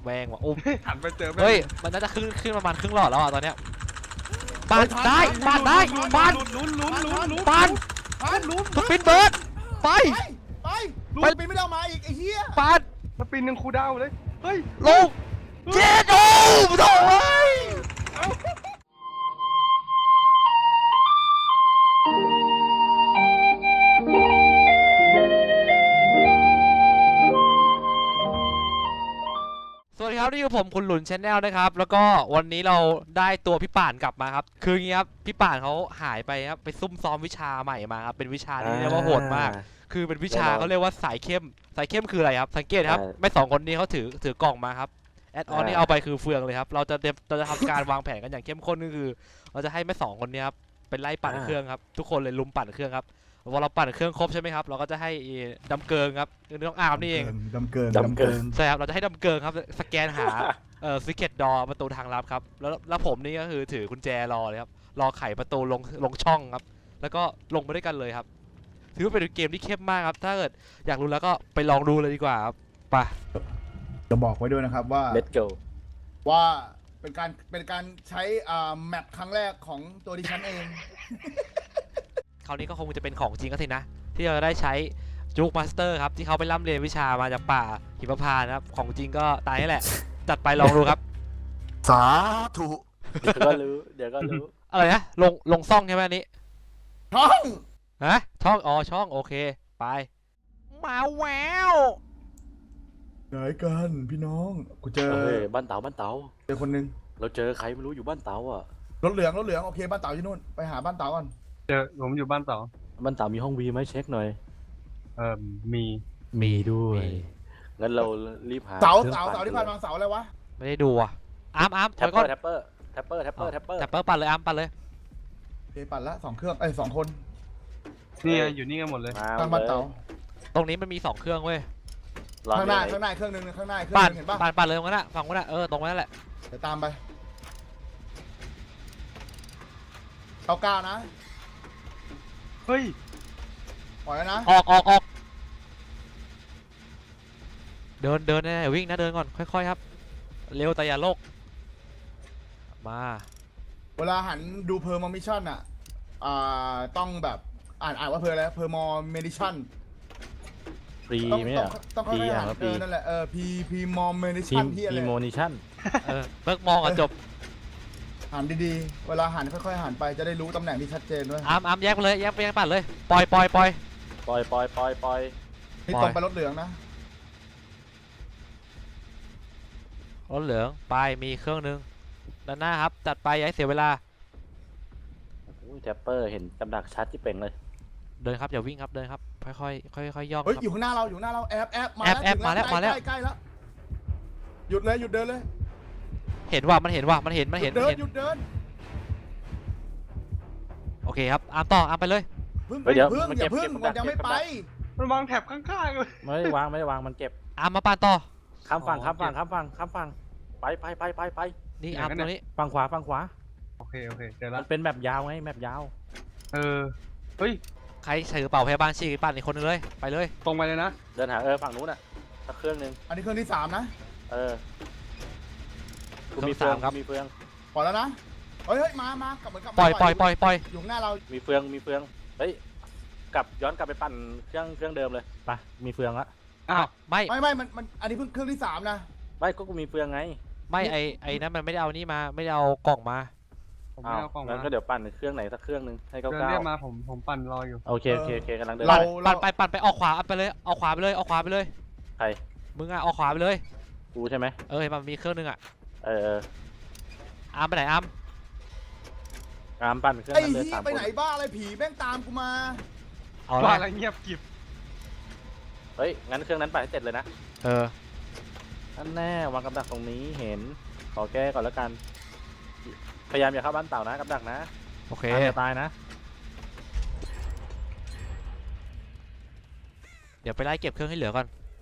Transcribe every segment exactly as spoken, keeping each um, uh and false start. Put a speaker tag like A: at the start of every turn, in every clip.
A: แวงว่ะอุ้ม
B: หันไปเจอแม่
A: เฮ้ยมันน่าจะขึ้นขึ้นประมาณครึ่งหลอดแล้วอ่ะตอนเนี้ยปานได้ปานได้ปาน
B: ลุ้นลุ้นลุ้นลุ้น
A: ปาน
B: ปานลุ้น
A: สปินเบิร์ดไป
C: ไปไปไปไม่ได้เอามาอีกไอ้เหี้ย
A: ปาน
B: สปินยังคูดาวเลยเฮ้ย
A: ลงเจ็ดโอ้โถ่เฮ้ยสวัสดีครับนี่คือผมคุณหลุนชาแนลนะครับแล้วก็วันนี้เราได้ตัวพี่ป่านกลับมาครับคืออย่างนี้ครับพี่ป่านเขาหายไปครับไปซุ่มซ้อมวิชาใหม่มาครับเป็นวิชาที่เรียกว่าโหดมากคือเป็นวิชาเขาเรียกว่าสายเข้มสายเข้มคืออะไรครับสังเกตครับไม่สองคนนี้เขาถือถือกล่องมาครับแอดออนที่เอาไปคือเฟืองเลยครับเราจะเราจะทำการวางแผนกันอย่างเข้มข้นก็คือเราจะให้แม่สองคนนี้ครับเป็นไล่ปั่นเครื่องครับทุกคนเลยลุมปั่นเครื่องครับพอเราปั่นเครื่องครบใช่ไหมครับเราก็จะให้ดำเกิงครับน้องอาร์มนี่เอง
C: ดำเกิน
D: ดำเกิน
A: ใช่ครับเราจะให้ดำเกิงครับสแกนหาเอ่อซิกเก็ตดอประตูทางลับครับแล้วแล้วผมนี่ก็คือถือกุญแจรอเลยครับรอไขประตูลงลงช่องครับแล้วก็ลงไปด้วยกันเลยครับถือว่าเป็นเกมที่เข้มมากครับถ้าเกิดอยากรู้แล้วก็ไปลองดูเลยดีกว่าครับไป
C: จะบอกไว้ด้วยนะครับว่า
D: Let's go
C: ว่าเป็นการเป็นการใช้อ่าแมปครั้งแรกของตัวดิฉันเอง
A: คราวนี้ก็คงจะเป็นของจริงก็สินะที่เราได้ใช้จูกมาสเตอร์ครับที่เขาไปร่ำเรียนวิชามาจากป่าหิมพานต์ครับของจริงก็ตายนี่แหละจัดไปลองดูครับ
C: สาธุ
D: เดี๋ยวก็รู้ เดี๋ยวก็รู้
A: อะไรนะลงลงซ่องใช่ไหมอันนี้
C: ท้อง
A: ฮะช่องอ๋อช่องโอเคไปมาแวว
C: ไหนกันพี่น้องกูเจอ
D: เฮ้ย บ้านเต๋าบ้านเต๋า
C: เจอคนนึง
D: เราเจอใครไม่รู้อยู่บ้านเต๋าอ่ะ
C: รถเหลืองรถเหลืองโอเคบ้านเต๋าอยู่นู่นไปหาบ้านเต๋าก่อน
B: เจอผมอยู่บ้านเต๋า
D: บ้านเต๋ามีห้องวีไหมเช็คหน่อย
B: เอ่อมี
D: มีด้วย งั้นเรารีบหา
C: เสา
D: ครื่อง
C: เสาเสาที่ผ่านมาเสาอะไรวะ
A: ไม่ได้ดูอ่ะอาร์มอาร์ม
D: แท็ป
A: ถ
D: เป
A: ย
D: อ
A: ก่น
D: ร์แท็ปเปอร์แท็ปเปอร์แท็ปเปอร์แท็ปเปอร์
A: แท็ปเปอร์ปั่นเลยอาร์มปั่นเลย
C: โอเคปั่นละสองเครื่องเอ้ยสองคน
B: นี่อยู่นี่กันหมดเลย
D: มา
C: ทางบ้านเต๋า
A: ตรงนี้มันมีสองเครื่องเว้ย
C: ข้างหน้าข้างหน้าเครื่องนึงข้างหน้าเครื่อง
A: ปั่น
C: นึงเห็นปะ
A: ปั่นปั่นเลยตรงนั้นอะฝั่งนั้นอะเออตรงนั้นแหละ
C: เดี๋ยวตามไปเก้าเก้านะ
B: เฮ้ย
C: ปล่อยแล้วนะ
A: ออกออกออกเดินเดินนะอย่าวิ่งนะเดินก่อนค่อยๆครับเร็วแต่อย่าโลกมา
C: เวลาหันดูเพอร์มอมิชั่นอ่ะอ่าต้องแบบอ่านอ่านว่าเพออะไรเพอร์มอมิชั่น
D: ฟรี
C: ต้อง
D: ไหม
C: ต้อ
D: อ่ะ
C: งต้อง
D: ฟรี
C: ค่อยๆ
D: อ่ะ
C: หัน
D: ว่าฟ
C: เอ
D: รี
C: อนั่นแหละเออพีพีมอมิ
D: ที
C: ชั่
D: ม
C: นที่อะไร
D: ทีโมนิชั่น
A: เออเลิกมองอ่ะจบ
C: หันดีๆเวลาหันค่อยๆหันไปจะได้รู้ตำแหน่งที่ชัดเจนด้วย
A: อาร์มอาร์มแยกไปเลยแยกไปแยกปั่นเลยปล่อยปล่อยปล่อย
D: ปล่อยปล่อยปล่อยปล่อย
C: นี่ตรงไปรถเหลืองนะ
A: รถเหลืองไปมีเครื่องนึงด้านหน้าครับจัดไปอย่าให้เสียเวลา
D: อุ้ยแท็ปเปอร์เห็นกำดักชัดที่เป่งเลย
A: เดินครับอย่าวิ่งครับเดินครับค่อยๆค่อยๆย่องค
C: เฮ้ย
A: รับ
C: อยู่ข้างหน้าเราอยู่ข้างหน้าเราแอบแอบมา
A: แอบแอบมาแล้วมาแล้ว
C: ใกล้ใกล้แล้วหยุดเลยหยุดเดินเลย
A: เห็นว่ามันเห็นว่ามันเห็นมัน
C: หยุ
A: เห็น
C: ด
A: มัน
C: เดิน
A: เห็น
C: หยุดเดิน
A: โอเคครับอาร์มต่ออาร์มไปเลย
C: พึ่ง
D: เฮ้ยเดี๋ยว
C: พึ่ง
D: มัน
C: อ
D: เก็
C: ย่า
D: บ
C: พึ่ง
D: เก็บ
C: มันยังไม่
D: เก็บ
C: ไป
B: มันวางแถบข้างๆเลย
D: ไม่ได้วางไม่ได้วางมันเก็บ
A: อาร์มมาปานต่อ
D: ข้ามฝั่ง
A: อ๋อ
D: ข้ามฝั่งข้ามฝั่งข้ามฝั่งไปไปไปไปไป
A: นี่อาร์มตรงนี้
D: ฝั่งขวาฝั่งขวา
B: โอเคโอเคเจอ
D: มั
B: แล้ว
D: นเป็นแมปยาวไงแมปยาว
B: เออเฮ้ย
A: ใครถือกระเป๋าพยาบาลฉีกปั่นอีกคนนึงเลยไปเลย
B: ตรงไปเลยนะ
D: เดินหาเออฝั่งนู้นอ่ะสักเครื่องหนึง
C: อันนี้เครื่องที่สามนะ
D: เออกู
A: เครื่
D: มี
A: อง
D: เฟือง
A: สามครับ
D: กูมีเฟือง
C: ปล่อยแล้วนะเฮ้ยเฮ้ยมามากลับเหมือนกลับมา
A: ปล่อยปล่อยปล่อยปล่อย
C: อยู่ข้างหน้าเรา
D: มีเฟืองมีเฟืองเฮ้ยกลับย้อนกลับไปปั่นเครื่องเครื่องเดิมเลยไปมีเฟืองละ
B: อ้าว
A: ไม่
C: ไม่ไม่มันมันอันนี้เพิ่งเครื่องที่สามนะ
D: ไม่ก็กูมีเฟืองไง
A: ไม่ไอไอนั้นมันไม่ได้เอานี่มาไม่ได้เอากล่องมา
B: ผมไม่เอากล่อง
D: งั้
B: มาน
D: ก็เดี๋ยวปั่นเครื่องไหนสักเครื่องหนึงให้
B: เดิ
D: เก้าน เก้า
B: เรียกมาผมผมปั่นรออยู่
D: โอเคโอเคโอเคกำลังเดิน
C: เรา
A: ปั่นไปปั่นไปออกขวาไปเลยเอาขวาไปเลยเอาขวาไปเลย
D: ใคร
A: มึงอะเอาขวาไปเลย
D: กูใช่ไหม
A: เออเห็นมันมีเครื่องนึงอะ
D: เออเออ
A: อาร์มไปไหนอาร์ม
D: อามปั่นเครื่อง
C: ไอ้
D: นั้นเลย
C: ที่
D: สาม
C: ไป
D: ค
C: ไหน
D: น
C: บ้าอะไรผีแม่งตามกูมา
A: เอา
B: ว่า
A: ละ
B: อะไรเงียบกริบ
D: เฮ้ยงั้นเครื่องนั้นปั่นให้เสร็จเลยนะ
A: เออ
D: นั่นแน่วางกับดักตรงนี้เห็นขอแก้ก่อนแล้วกัน พยายามอย่าเข้าบ้านเต่านะกับดักนะ
A: โอเค
D: อามอย่าตายนะ
A: เดี๋ยวไปไล่เก็บเครื่องให้เหลือก่อน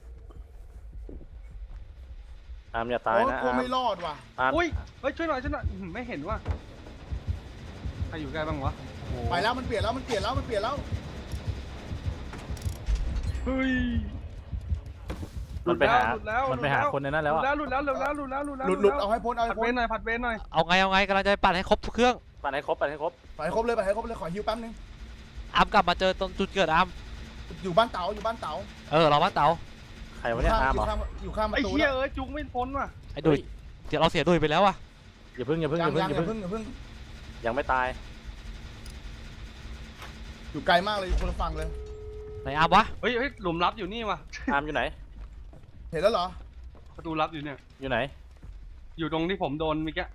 D: อามอย่าตาย
C: โอ้
D: นะ
C: กู
D: อาม
C: ไม่รอดว่ะ
D: อาม
B: อุ้ยเฮ้ยช่วยหน่อยช่วยหน่อยอื้อหือไม่เห็นว่าใครอยู่ใกล้บ้างวะโอ้โห
C: ไปแล้วมันเปลี่ยนแล้วมันเปลี่ยนแล้วมันเปลี่ยนแล้ว
B: เฮ้ยหลุ
D: มัน
B: ด
D: ไป
B: แล้ว
D: หา
B: หลุดแล้ว
D: มันไปหาคนในนั้น
B: ห
D: แล้
B: ลุ
D: ว
B: ด
D: อะ
B: แล้วหลุดแล้วหลุดแล้วหลุดแล้วหลุดแล้ว
C: หลุดหลุดเอาให้พ้นเอาให้
B: ผัด
C: พ้
B: เวน นหน่อยผัดเวนหน่อย
A: เอาไงเอาไงกำลังจะไปปั่นให้ครบทุกเครื่อง
D: ปั่นให้ครบปั่นให้ครบ
C: ไปให้ครบเลยไปให้ครบเลยขอฮิวแป๊บนึง
A: อามกลับมาเจอตรงจุดเกิดอาม
C: อยู่บ้านเต๋าอยู่บ้านเต๋า
A: เออเราบ้านเต๋า
D: ใครวะเนี่ยอาร์ม
C: อ
D: เหร
C: ยู่
D: อ
C: ข้างอยู่ข้างประ
B: ไอ้
C: ตู
B: เหี้ย
C: นะ
B: เอ้ยจุกไม่พ้นว่ะ
A: ไอ้ดุยเดี๋ยวเราเสียดุยไปแล้วอะ
D: อย่าเพิ่งอย่าเพิ่งอ
C: ยัง
D: ย่าเพิ่ง
C: ยัง
D: อย่า
C: อย่า
D: เพิ่ง
C: เพิ่งอย่าเพิ่ง
D: ยังไม่ตาย
C: อยู่ไกลมากเลยอยู่คนละฝั่งเลย
A: ไหนอามวะ
B: เฮ้ยเฮ้ยหลุมลับอยู่นี่ว่ะ
D: อาร์มอยู่ไหน
C: เห็นแล้วเหรอ
B: ประตูลับอยู่เนี่ย
D: อยู่ไหน
B: อยู่ตรงที่ผมโดนเมื่อกี้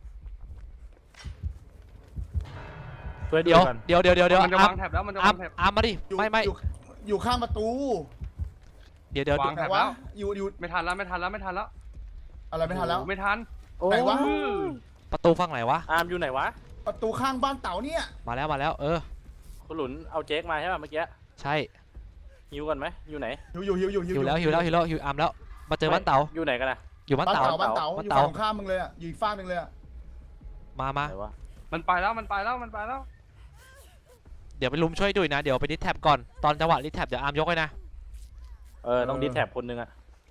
D: ช่วย
A: เดี๋ยว
D: กัน
A: เดี๋ยวเดี๋ยวเดี๋ยวเดี๋ยว
B: มันจะ
A: อาม
B: วางแถบแล้วมันจะ
A: อาว
B: าม งแถบ
A: อามมาดิ
C: อยู่
A: ไม่ไม่
C: อยู่อยู่ข้างประตู
A: เดี๋ยวเดี๋ยว
B: วาง
C: แต่
B: แถบ
C: ว่า
B: แล้ว
C: อยู่อยู่
B: ไม่ทันแล้วไม่ทันแล้วไม่ทันแล้ว
C: อะไรไม่ทันแล้ว
B: โอ้ไม่ทัน
D: โอ้
C: ไหนวะ
A: ประตูฝั่งไหนวะ
D: อาร์มอยู่ไหนวะ
C: ประตูข้างบ้านเต๋าเนี่ย
A: มาแล้วมาแล้วเออ
D: คุณหลุนเอาเจ๊กมาใช่ป่ะเมื่อกี้
A: ใช่
D: ฮิวกันไหมอยู่ไหน
C: หิวอยู่หิวอยู่หิว
A: หิวแล้วหิวแล้วหิวแล้วหิวอามแล้วมาเจอบ้านเต๋า
D: อยู่ไหนกันนะ
A: อยู่บ้าน
C: บ้าน
A: เต๋า
C: เต๋าบ้านเต๋า
A: บ้าน
C: อยู่
A: เต๋า
C: ฝั่งข้ามมึงเลยอ่ะอยู่อีกฝั่งหนึ่งเลยอ่ะ
A: มามา
D: ไหนวะ
B: มันไปแล้วมันไปแล้วมันไปแล้ว
A: เดี๋ยวไปลุมช่วยดุยนะเดี๋ยวไปดิสแท็บก่อนตอนจังหวะดิสแท็บเดี๋ยวอามยกเลยนะ
D: เออต้องดิสแท็บคนหนึงอะ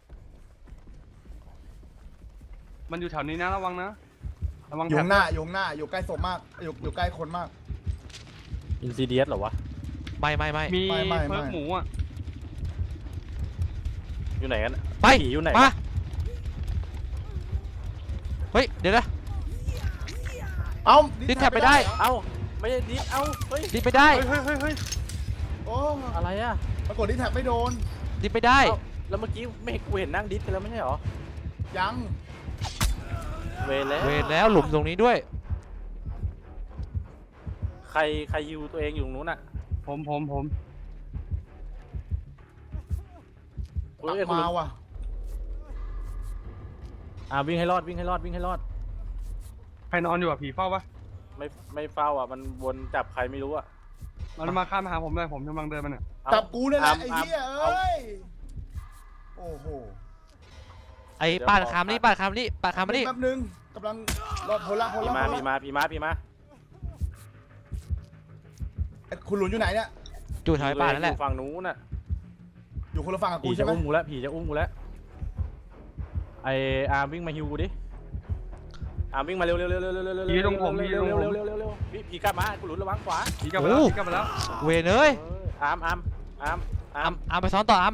B: มันอยู่แถวนี้นะระวังนะระวัง
C: อยู่
B: แถบ
C: ข้างหน้าอยู่ข้างหน้าอยู่ใกล้ศพมากอยู่อยู่ใกล้คนมาก
D: อินซีเดียสเหรอวะ
A: ไม่ไม่ไม่
B: มี
C: ไม่ไม่ไม่
B: เพิร์กหมูอ่ะ
D: อยู่ไหนกัน
A: ไป
D: ผีอยู่ไหน
A: มาว
D: ะ
A: เฮ้ยเดี๋ยวนะ
C: เอ้า
A: ดิสแท็บไปได้
C: เหรอ
D: เอ้าไม่ได้ดิสเอ้าเฮ้ย
A: ดิสไปได้
B: เฮ้ยเฮ้ยเฮ้ยเฮ้ย
C: โอ้
D: อะไรอะ
C: ปรากฏดิสแท็บไม่โดน
A: ดิสไปได้
D: เอ้าแล้วเมื่อกี้ไม่เห็นกูเห็นนั่งดิสกันแล้วไม่ใช่เหรอ
C: ยัง
D: เวรแล้ว
A: เวรแล้วหลุมตรงนี้ด้วย
D: ใครใครฮิวตัวเองอยู่ตรงนู้นอะ
B: ผมผมผม
D: เฮ้ยคุณหลุ
C: มาน ว่ะ
D: อ่าวิ่งให้รอดวิ่งให้รอดวิ่งให้รอด
B: ใครนอนอยู่อ่ะผีเฝ้าปะ
D: ไม่ไม่เฝ้าอ่ะมันวนจับใครไม่รู้อ่ะ
B: มันมาข้ามมาหาผมเลยผมกำลังเดินมาเนี่ย
D: เอา
C: จับกูเนี่ยแหละ
D: อาร์ม
C: ไอ้
D: อาร์ม
C: เหี้ย
D: เอา
C: เอ้ยโอ้โห
A: ไอ้ป่านคำนี่ป่านคำนี่ป่านคำนี่
C: แป๊บนึงกำลังรอโพล่าโพ
D: พี่
C: ล่า
D: มา
C: โพ
D: พี่
C: ล่า
D: มาพี่มาพี่มา
C: คุณหลุนอยู่ไหนเนี่ย
A: อยู่แถวไอ้ป่านนั่นแหละ
D: อยู่ฝั่งนู้นน่ะ
C: อยู่คนละฝั่งกับ
D: ผี
C: กู
D: จะ
C: ใช่ไหม
D: อุ้มกูแล้วผีจะอุ้มกูแล้วไออาร์มวิ่งมาฮิวกูดิอาร์มวิ่งมาเร็วเร็วเร็วเร็วเร็วเร็วเร็ว
B: ผีตรงผมผี
D: เร็
B: ต
D: ว
B: รง
D: เร็ว
B: ผม
D: เร็วเร็วเร็วพี่ผีกลับมากูหลุนระวังขวา
B: ผีกลับมาแล้วผีกลับมาแล้ว
A: เวรเอ้ย
D: เอออาร์มอาร์มอาร์มอา
A: อา
D: ร์
A: ม
D: ม
A: อามไปซ้อนต่ออาม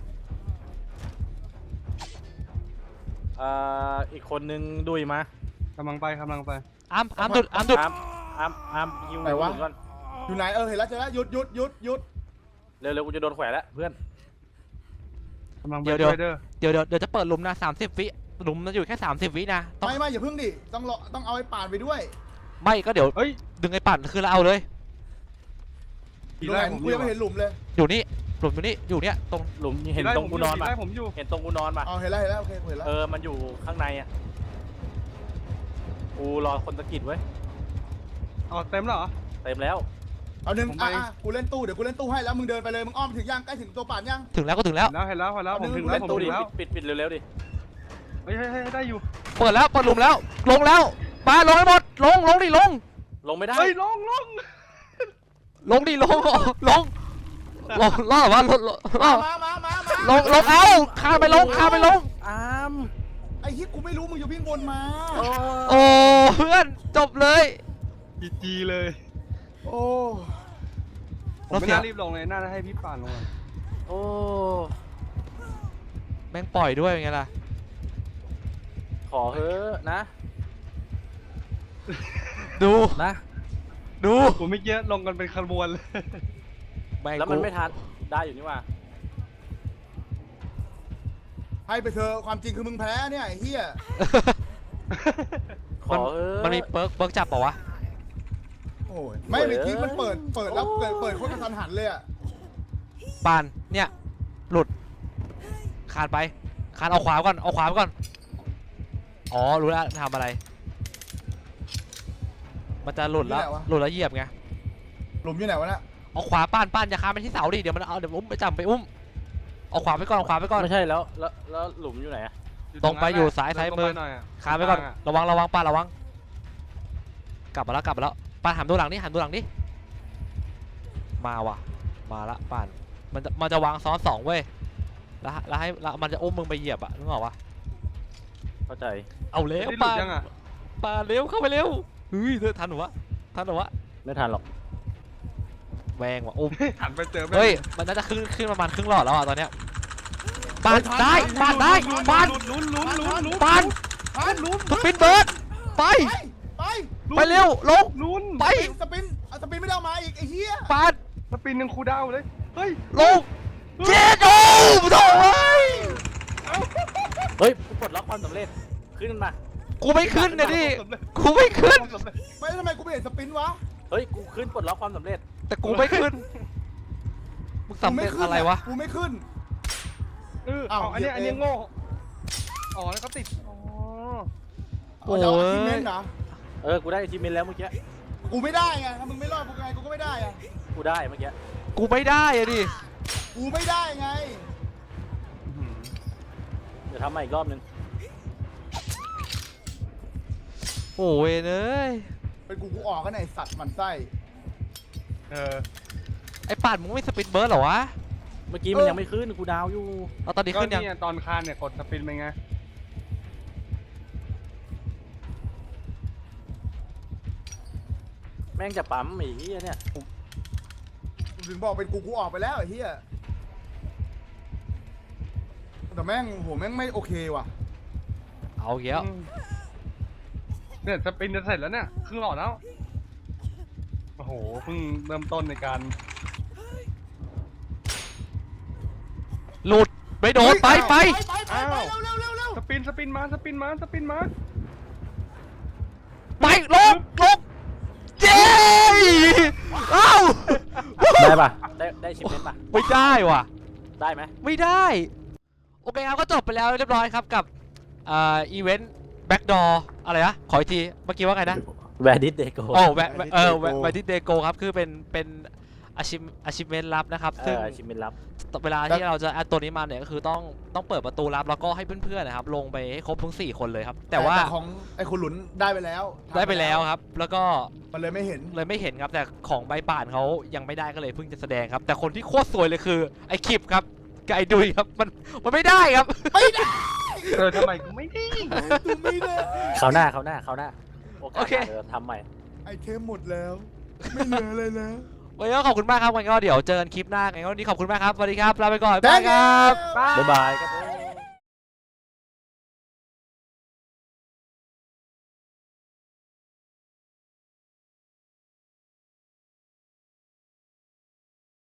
D: เอ่ออีกคนนึงดุยมาก
B: ำลังไปกำลังไป
A: อามอามดุดอามดุด
D: อาร์มอาร์มอาร์มฮิวหลุนก่อน
C: อยู่ไหนเออเห็นแล้วเจอแล้วหยุดหยุดหยุดหยุด
D: เร็วเร็วกูจะโดนแขวนแล้วเพื่อน
B: กำลังไป
A: เดี๋ยวเดี๋ยว
B: ช่วยเด้อ
A: เดี๋ยวเดี๋ยวเดี๋ยวจะเปิดหลุมนะสามสิบวิหลุมมันอยู่แค่สามสิบวินะต้อง
C: ไม่ไม่อย่าเพิ่งดิต้องรอต้องเอาไอ้ป่านไปด้วย
A: ไม่ก็เดี๋ยว
B: เฮ้ย
A: ดึงไอ้ป่านคือเราเอาเลย
B: ผี
C: ตรง
B: ไล่
C: ไหน
B: ผม
C: กู
B: อ
C: ยั
B: ยู่
C: งไม่เห็นหลุมเลย
A: อยู่นี่หลุมอยู่นี่อยู่เนี่ยตรง
D: หลุมเห็น
B: ผีไล่
D: ตรงกูนอน
B: ผี
D: ปะ
B: ไล่ผมอยู่
D: เห็นตรงกูนอนปะ
C: เอาเห็นแล้วเห็นแล้วโอเคเห็นแล้ว
D: เออมันอยู่ข้างในอ่ะกูรอคนสะกิดไว้ย
B: อ๋อเต็มแล้วเหรอ
D: เต็มแล้ว
C: เอาหนึ่ง
B: ผมไป
C: อ่ะอ่ะกูเล่นตู้เดี๋ยวกูเล่นตู้ให้แล้วมึงเดินไปเลยมึงอ้อมถึงยังใกล้ถึงตัวป่านยัง
A: ถึงแล้วก็ถึงแล้ว
B: เห็นแล้วเห็นแล้วเห็นแล้วผมถึงแล้
D: เล่
B: วน ผม
D: ตู้
B: ถึ
D: ดิ
B: งแล้ว
D: ปิดปิดปิดเร็วๆดิ
B: เฮ้ยเฮ้ยเฮ้ยได้อยู่
A: เปิดแล้วเปิดหลุมแล้วลงแล้วมาลงให้หมดลงลงดิลง
D: ลงไม่ได้
B: เฮ้ยลงลง
A: ลงดิลงลงลงล่อวะลงล่อ
C: มามามามา
A: ลงลงเอาคานไปลงคานไปลง
D: อาม
C: ไอ้ที่กูไม่รู้มึงอยู่วิ่งวนมา
A: โอ้เพื่อนจบเลย
B: จีจีเลย
C: โอ้
B: ผมไม่น่ารีบลงเลยน่าจะให้พี่ป่านลงอะ
D: โอ้
A: แม่งปล่อยด้วยไงล่ะ
D: ขอเฮ้อะนะ
A: ดู
D: นะ
A: ดู
B: ผมไม่เกี้ลงกันเป็นขบวนเลย
A: แม่ง
D: แล้วมัน
A: กู
D: ไม่ทันได้อยู่นี่ว่า
C: ให้ไปเถอะความจริงคือมึงแพ้เนี่ยไอ้เหี้ย
D: ขอเฮ้อะ
A: มันมีเปิร์กเปิร์กจับเปล่าวะ
C: โอ้ยไม่เมื่อกี้มันเปิดเปิดแล้วเปิดเปิดโคตรกระทันหันเลยอ่ะ
A: ปานเนี่ยหลุดคานไปคานเอาขวาก่อนเอาขวาไปก่อนอ๋อรู้แล้วทำอะไร มันจะหลุดแล้วหลุดแล้วเหยียบไง
C: หลุมอยู่ไหนวะเนี่ย
A: เอาขวาป้านป้านอย่าคานไปที่เสาดิเดี๋ยวมันเอาเดี๋ยวอุ้มไปจับไปอุ้มเอาขวาไปก่อนเอาขวาไปก่อน
D: ไม่ใช่แล้วแล้วแล้วหลุมอยู่ไหนอะ
A: ตรงไปอยู่ซ้ายซ้ายมือ
B: หน่อยอะ
A: คานไปก่อน
B: ข้างๆะ
A: ระวังระวังป้านระวังกลับมาแล้วกลับมาแล้วป้านหันดูหลังนี่หันดูหลังนี่มาว่ะมาละป้านมันจะมันจะวางซ้อนสองเว้ยแล้วแล้วให้แล้วมันจะอุ้มมึงไปเหยียบอะนึกออกปะ
D: เข้าใจ
A: เอาเร็ว
B: ได้หลุ
A: ป่า
B: ด
A: น
B: ยังอ่ะ
A: ป่านเร็วเข้าไปเร็วเฮ้ยเธอทันหรอวะทันหรอวะ
D: ไม่ทันหรอก
A: แวงว่ะอุ้ม
B: หันไปเจอแม่ง
A: เฮ้ยมันน่าจะขึ้นขึ้นประมาณครึ่งหลอดแล้วอะตอนเนี้ยปานได้ปานได้ปาน
B: ลุ้นลุ้นลุ้นลุ้น
A: ปาน
C: พันลุ้น
A: สปินเบิร์ดไป
C: ไป
A: ไปเร็วลง
B: ลุ้น
A: ไป
C: สปินเอาสปินไม่ได้เอามาอีกไอ้เหี้ย
A: ปาน
B: สปินยังคูลดาวน์เลยเฮ้ย
A: ลงเจ็ดโอ้โถ่เฮ้ย
D: เฮ้ยกูปลดล็อกความสำเร็จขึ้นมา
A: กูไม่ขึ้นนะดิกูไม่ขึ้น
C: ไม่ทำไมกูไม่เห็นสปินวะ
D: เฮ้ยกูขึ้นปลดล็อกความสำเร็จ
A: แต่กูไม่ขึ้นมึงสำเร็จอะไรวะ
C: กูไม่ขึ้น
B: เออ
C: อ้าว
B: เอาอันเนี้ย
C: เหยี
B: อั
C: ย
B: น
C: บเอง
B: เนี้ยโง่อ๋อแล้วก็ติดอ๋อ
A: โอ้
C: เอา
A: ย
C: จะเอาอาชีพเมนเหรอ
D: เออกูได้ทีมเมนแล้วเมื่อกี้
C: กูไม่ได้ไงถ้ามึงไม่รอดกูไงกูก็ไม่ได้อะ
D: กูได้เมื่อกี้
A: กูไม่ได้อะดิ
C: กูไม่ได้ไง
D: เดี๋ยวทำใหม่อีกรอบนึง
A: โอ้ยเอ้ย
C: เป็นกูกูออกกันไหนสัตว์หมันไส้
B: เออ
A: ไอ้ป่านมึงไม่สปินเบิร์ดเหรอวะ
D: เมื่อกี้มันยังไม่ขึ้นกูดาวอยู่
A: เอาตอนนี้
B: ก็
A: ขึ้นยัง
B: เนี่ยตอนคานเนี่ยกดสปินไปไง
D: แม่งจะปั๊มไอ้เหี้ยเนี่ย
C: กูถึงบอกเป็นกูกูออกไปแล้วไอ้เหี้ยแต่แม่งโหแม่งไม่โอเคว่ะ
A: เอาเกี้ยว
B: อืมเนี่ยสปินจะเสร็จแล้วเนี่ยครึ่งหลอดแล้วโอ้โหเพิ่งเริ่มต้นในการ
A: หลุดไม่โดนไปไป
C: ไปไปไปเร็วเร็วเร็วเร็ว
B: สปินสปินมาสปินมาสปินมา
A: ไปลงลงเย้เอ้า
D: ได้ปะได้ได้ชิมเมนปะ
A: ไม่ได้ว่ะ
D: ได้ไหม
A: ไม่ได้ โอเคครับก็จบไปแล้วเรียบร้อยครับกับอ่าอีเวนต์แบ็กดอร์อะไรนะขออีกทีเมื่อกี้ว่าไงนะ
D: แวร์ดิสเดโก
A: โอ้แวะแวะเออแวะแวะที่เดโกครับคือเป็นเป็นอาชิมอาชิเมนลับนะครับ
D: เอ
A: ซึ่ง
D: อชิมเมนรับ
A: เวลาที่เราจะแอดตัวนี้มาเนี่ยก็คือต้องต้องเปิดประตูลับแล้วก็ให้เพื่อนๆนะครับลงไปให้ครบทั้งสี่คนเลยครับ แต่ว่า
C: ของไอ้คุณหลุนได้ไปแล้ว
A: ได้ไปแล้วครับ แล้วก็
C: มันเลยไม่เห็น
A: เลยไม่เห็นครับแต่ของใบป่านเขายังไม่ได้ก็เลยเพิ่งจะแสดงครับ แต่คนที่โคตรสวยเลยคือไอ้คลิปครับกับไอ้ดุยครับมันมันไม่ได้ครับ
C: ไม่ได้
B: เออทำไมกูไม่ได้
C: กูไม่ได้
D: เขาวหน้าเขาวหน้าเขาวหน้าโอกาส
A: โอเค
D: หน้าเดี๋ยวทำใหม่
C: ไอเทมหมดแล้ว ไม่เหลือเลยแล้ว
A: วันนี้ก็ขอบคุณมากครับวันนี้ก็เดี๋ยวเจอกันคลิปหน้าไงก็วันนี้ขอบคุณมากครับสวัสดีครับลาไปก่อน
C: ได้
A: บ๊ายบายครับ
C: ครับ
D: บ๊ายบายครับผม